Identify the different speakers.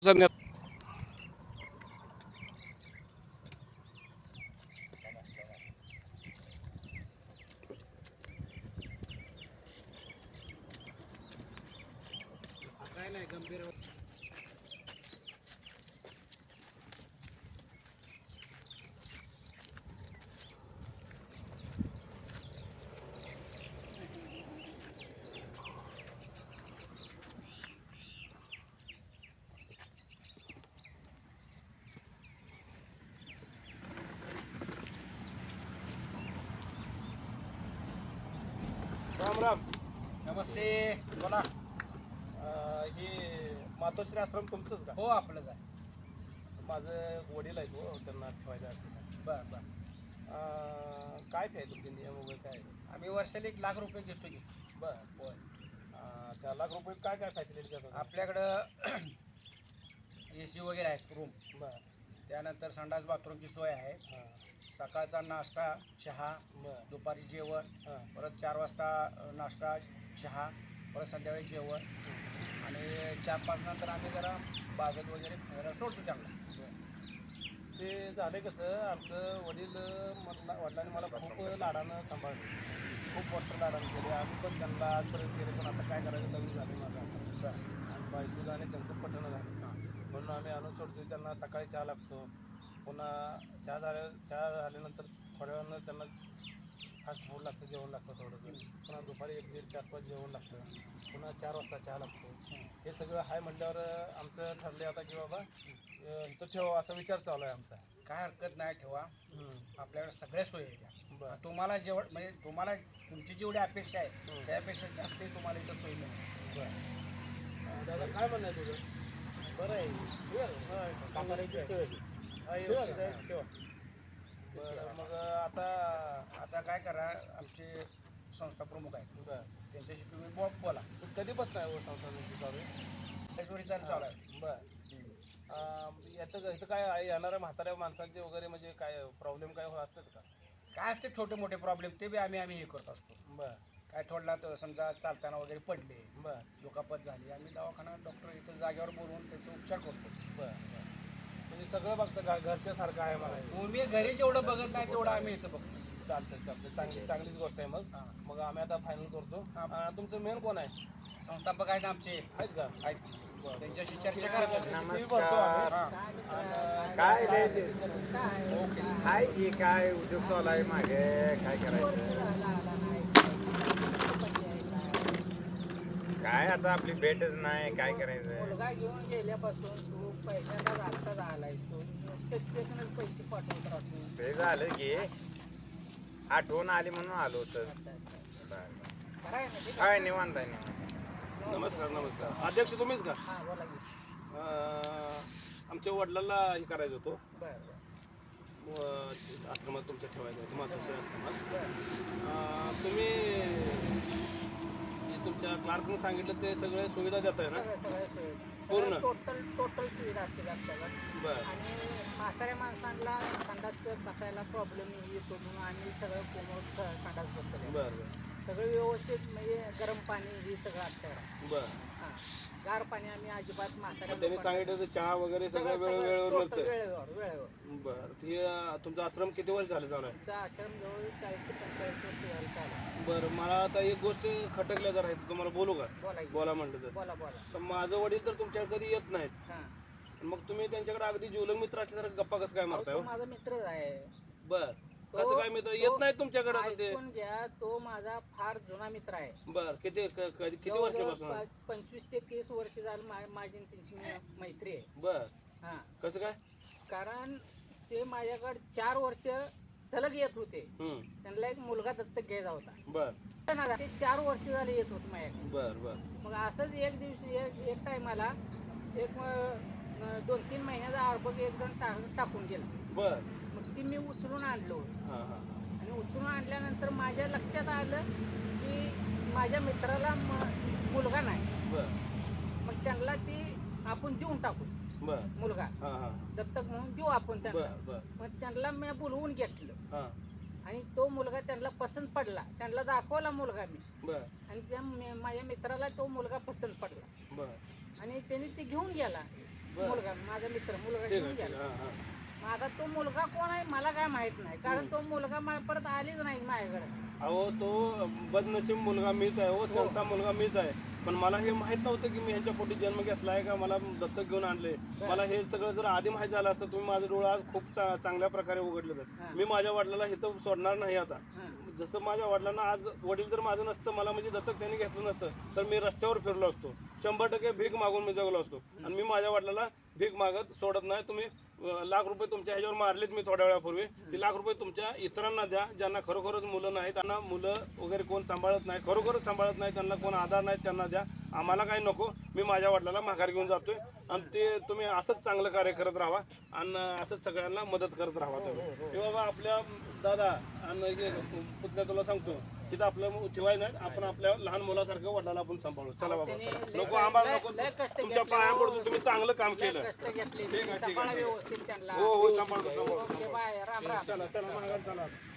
Speaker 1: संध्या- राम राम.
Speaker 2: नमस्ते. बोला.
Speaker 1: हे मातोश्री आश्रम तुमचंच का?
Speaker 2: हो, आपलंच आहे.
Speaker 1: माझं वडील आहेत हो, त्यांना ठेवायचं असेल.
Speaker 2: बर बर.
Speaker 1: काय ते तुमचे नियम वगैरे काय आहे?
Speaker 2: आम्ही वर्षाला 1,00,000 रुपये घेतो की.
Speaker 1: बरं.
Speaker 2: होय.
Speaker 1: त्या लाख रुपये काय काय फॅसिलिटी देतात?
Speaker 2: आपल्याकडं AC वगैरे आहे रूम.
Speaker 1: बरं.
Speaker 2: त्यानंतर संडास बाथरूमची सोय आहे.
Speaker 1: हां.
Speaker 2: सकाळचा नाश्ता, चहा,
Speaker 1: बरं.
Speaker 2: दुपारी जेवण,
Speaker 1: हां.
Speaker 2: परत 4 वाजता नाश्ता, चहा, परत संध्याकाळी जेवण आणि 4-5 नंतर आम्ही जरा बागेत वगैरे फिरायला सोडतो त्यांना.
Speaker 1: ते झालं कसं, आमचं वडिलांनी मला खूप लाडानं सांभाळलं, खूप मोठं लाडानं केले. आम्ही पण त्यांना आजपर्यंत केले, पण आता काय करायचं, लग्न झालं माझं आता. आणि बायकोचं आणि त्यांचं पटणं झालं. म्हणून आम्ही आणून सोडतो. त्यांना सकाळी चहा लागतो, पुन्हा चहा झाल्यानंतर थोड्या वेळानं त्यांना फास्ट फूड लागतं, जेवण लागतं थोडंसं. पुन्हा दुपारी 1-1:30च्या आसपास जेवण लागतं. पुन्हा 4 वाजता चहा लागतो. हे सगळं आहे म्हटल्यावर आमचं ठरलं आता की बाबा इथं ठेवा, असा विचार चालू आहे आमचा.
Speaker 2: काय हरकत नाही, ठेवा. आपल्याकडे सगळ्या सोयी आहेत.
Speaker 1: बरं.
Speaker 2: तुम्हाला म्हणजे तुम्हाला तुमची जेवढी अपेक्षा आहे त्यापेक्षा जास्त तुम्हाला इथं सोयी मिळेल.
Speaker 1: बरं. दादा काय म्हणणं आहे तुझं? बरं आहे. ठेवा. बरं, मग
Speaker 2: आता काय करा, आमचे संस्था प्रमुख आहेत.
Speaker 1: बरं.
Speaker 2: त्यांच्याशी तुम्ही बोला.
Speaker 1: कधीपासून आहे संस्थानाची चालू आहे?
Speaker 2: त्याच्यावर चालू आहे.
Speaker 1: बरं. इथं काय येणाऱ्या म्हाताऱ्या माणसांचे वगैरे म्हणजे काय प्रॉब्लेम काय असतात का?
Speaker 2: काय असते छोटे मोठे प्रॉब्लेम ते बी आम्ही हे करत असतो.
Speaker 1: बरं.
Speaker 2: काय थोडला तर समजा चालताना वगैरे पडले,
Speaker 1: बरं.
Speaker 2: दुखापत झाली, आम्ही दवाखाना डॉक्टर इथं जागेवर बोलवून त्याचे उपचार करतो.
Speaker 1: बरं. म्हणजे सगळं बघतं घरच्या सारखं आहे मला.
Speaker 2: तुम्ही घरी जेवढं बघत नाही तेवढं आम्ही इथं बघतो.
Speaker 1: चालतं. चांगलीच गोष्ट आहे. मग आम्ही आता फायनल करतो. तुमचं मेन कोण आहे?
Speaker 2: संस्थापक आहेत आमचे.
Speaker 1: आहेत का?
Speaker 2: आहेत. त्यांच्याशी चर्चा करायची.
Speaker 3: काय
Speaker 2: ओके.
Speaker 3: हाय की काय उद्योग चालू आहे मागे काय करायचं काय आता आपली भेटच नाही काय करायचं
Speaker 4: मुलगा घेऊन गेल्यापासून तू पहिल्यांदा आत्ताच आलाय तू नुसतं चेकनं पैसे पाठवत राहतो.
Speaker 3: ते झालं की आठवण आली म्हणून आलो होतं.
Speaker 4: कराय ना ते
Speaker 3: काय निवांत आहे निवांत.
Speaker 1: नमस्कार. अध्यक्ष तुम्हीच का?
Speaker 4: हां बोला की.
Speaker 1: आमच्या वडिलांना हे करायचं होतं,
Speaker 4: बरं
Speaker 1: आश्रमात तुमच्या ठेवायचं होतं, मातोश्री आश्रमात.
Speaker 4: बरं.
Speaker 1: तुम्ही जे तुमच्या क्लार्कने सांगितलं ते सगळे सुविधा देताय ना?
Speaker 4: सगळ्या सोयी
Speaker 1: पूर्ण?
Speaker 4: टोटल सुविधा असते लक्षात.
Speaker 1: बरं.
Speaker 4: आणि म्हाताऱ्या माणसांना संडास बसायला प्रॉब्लेम येतो म्हणून आम्ही सगळं कोमट संडास बसवले.
Speaker 1: बरं.
Speaker 4: सगळं व्यवस्थित म्हणजे गरम पाणी हे सगळं आमच्याकडे.
Speaker 1: बरं.
Speaker 4: हां गार पाणी आम्ही अजिबात म्हाताऱ्या
Speaker 1: त्यांनी सांगितलं तर चहा वगैरे सगळं वेळेवर मिळतं.
Speaker 4: वेळेवर.
Speaker 1: बरं. ते तुमचा आश्रम किती वर्ष झालं चालू आहे?
Speaker 4: आमचा आश्रम जवळ 40 ते 45 वर्ष झालं चालू.
Speaker 1: बरं. मला आता एक गोष्ट खटकल्या जर आहे, तुम्हाला बोलू का? बोला म्हटलं तर.
Speaker 4: बोला
Speaker 1: तर माझं वडील तर तुमच्याकडे कधी येत नाहीत,
Speaker 4: हां
Speaker 1: मग तुम्ही त्यांच्याकडे अगदी जीवलग मित्र असल्यासारखं गप्पा कसं काय मारताय?
Speaker 4: तो माझा मित्रच आहे.
Speaker 1: बर.
Speaker 4: तो-
Speaker 1: कसं काय मित्र येत नाहीत तुमच्याकडे आता ते?
Speaker 4: ऐकून घ्या, तो माझा फार जुना मित्र आहे.
Speaker 1: बर. किती वर्षापासून?
Speaker 4: 25 ते 30 वर्ष झालं माझी आणि त्यांची मैत्री आहे.
Speaker 1: बर.
Speaker 4: हां
Speaker 1: कसं काय?
Speaker 4: कारण ते माझ्याकडे 4 वर्ष सलग येत होते. त्यांना एक मुलगा दत्तक घ्यायचा होता.
Speaker 1: बर.
Speaker 4: ते 4 वर्ष झाले येत होते माझ्याकडे.
Speaker 1: बर.
Speaker 4: मग असंच एक दिवशी एक टायमाला एक 2-3 महिन्याचा आरबग एक जण टाकून गेला.
Speaker 1: बर.
Speaker 4: मग ती मी उचलून आणलो.
Speaker 1: हा.
Speaker 4: आणि उचलून आणल्यानंतर माझ्या लक्षात आलं की माझ्या मित्राला मुलगा नाही.
Speaker 1: बर.
Speaker 4: मग त्यांना ती आपण देऊन टाकू
Speaker 1: बर.
Speaker 4: मुलगा
Speaker 1: हा.
Speaker 4: दत्तक म्हणून देऊ आपण त्यांना.
Speaker 1: बर.
Speaker 4: मग त्यांना मी बोलवून घेतलं
Speaker 1: हा.
Speaker 4: आणि तो मुलगा त्यांना पसंत पडला. त्यांना दाखवला मुलगा मी
Speaker 1: बर.
Speaker 4: आणि त्या माझ्या मित्राला तो मुलगा पसंत पडला
Speaker 1: बर.
Speaker 4: आणि त्यांनी ते घेऊन गेला. मुलगा माझा मित्र मुलगा
Speaker 1: ठीक
Speaker 4: घेऊन
Speaker 1: आहे ठीक
Speaker 4: गेला.
Speaker 1: आहे हां हां
Speaker 4: माझा तो मुलगा कोण आहे मला काय माहित नाही कारण तो मुलगा परत आलीच नाही माझ्याकडे.
Speaker 1: अहो तो बदनशीब मुलगा मीच आहे हो त्यांचा मुलगा मीच आहे पण मला हे माहित नव्हतं की मी ह्यांच्या पोटी जन्म घेतला आहे का मला दत्तक घेऊन आणले. मला हे सगळं जर आधी माहीत झालं असतं तुम्ही माझं डोळं आज खूप चांगल्या प्रकारे उघडलं तर मी माझ्या वडिलाला इथं सोडणार नाही आता. जसं माझ्या वडिलांना आज वडील जर माझं नसतं मला म्हणजे दत्तक त्यांनी घेतलं नसतं तर मी रस्त्यावर फिरलो असतो 100% भीक मागून मी जगलो असतो आणि मी माझ्या वडिलाला भीक मागत सोडत नाही. तुम्ही लाख रुपये तुमच्या ह्याच्यावर मारलेत मी थोड्या वेळापूर्वी ती लाख रुपये तुमच्या इतरांना द्या ज्यांना खरोखरच मुलं नाही त्यांना मुलं वगैरे कोण सांभाळत नाही खरोखरच सांभाळत नाही त्यांना कोण आधार नाही त्यांना द्या. आम्हाला काही नको मी माझ्या वडिलाला माघार घेऊन जातोय आणि ते तुम्ही असंच चांगलं कार्य करत राहा आणि असंच सगळ्यांना मदत करत राहा. तुम्ही बाबा आपल्या दादा आणि पुतण्या तुला सांगतो तिथं आपलं ठेवायचं नाही आपण आपल्या लहान मुलासारखं वडिलाला आपण सांभाळू. चला बाबा नको आम्हाला नको तुमच्या पाया पडतो तुम्ही चांगलं काम केलं.
Speaker 4: कष्ट घेतले
Speaker 1: ठीक आहे, ठीक आहे.
Speaker 4: व्यवस्थित त्यांना.
Speaker 1: हो हो सांभाळतो सांभाळतो
Speaker 4: ओके बाय राम राम.
Speaker 1: चला चला माघार चला.